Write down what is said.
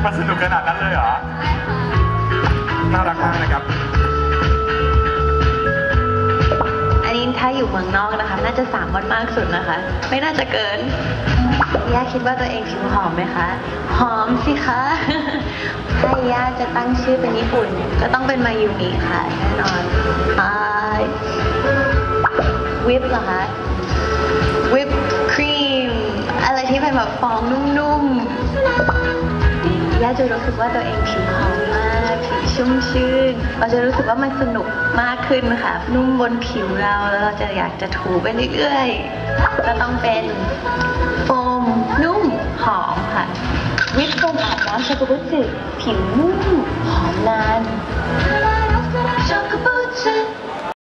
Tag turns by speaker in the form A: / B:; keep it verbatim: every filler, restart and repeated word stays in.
A: มันสนุกขนาดนั้นเลยเหรอน่ารักมากนะครับ
B: อันนี้ถ้าอยู่เมืองนอกนะคะน่าจะสามวันมากสุดนะคะไม่น่าจะเกินย่าคิดว่าตัวเองผิวหอมไหมคะหอมสิคะถ้าย่าจะตั้งชื่อเป็นญี่ปุ่นก็ต้องเป็นมายูมิค่ะแน่นอนอ่าวิปเหรอคะวิปครีมอะไรที่เป็นแบบฟองนุ่มๆย่าจะรู้สึกว่าตัวเองผิวหอมมากผิวชุ่มชื่นเราจะรู้สึกว่ามันสนุกมากขึ้นค่ะนุ่มบนผิวเราแล้วเราจะอยากจะถูไปเรื่อยๆก็ต้องเป็นโฟมนุ่มหอมค่ะวิปโฟมอาบน้ำชักโกบุสึผิวนุ่มหอมนาน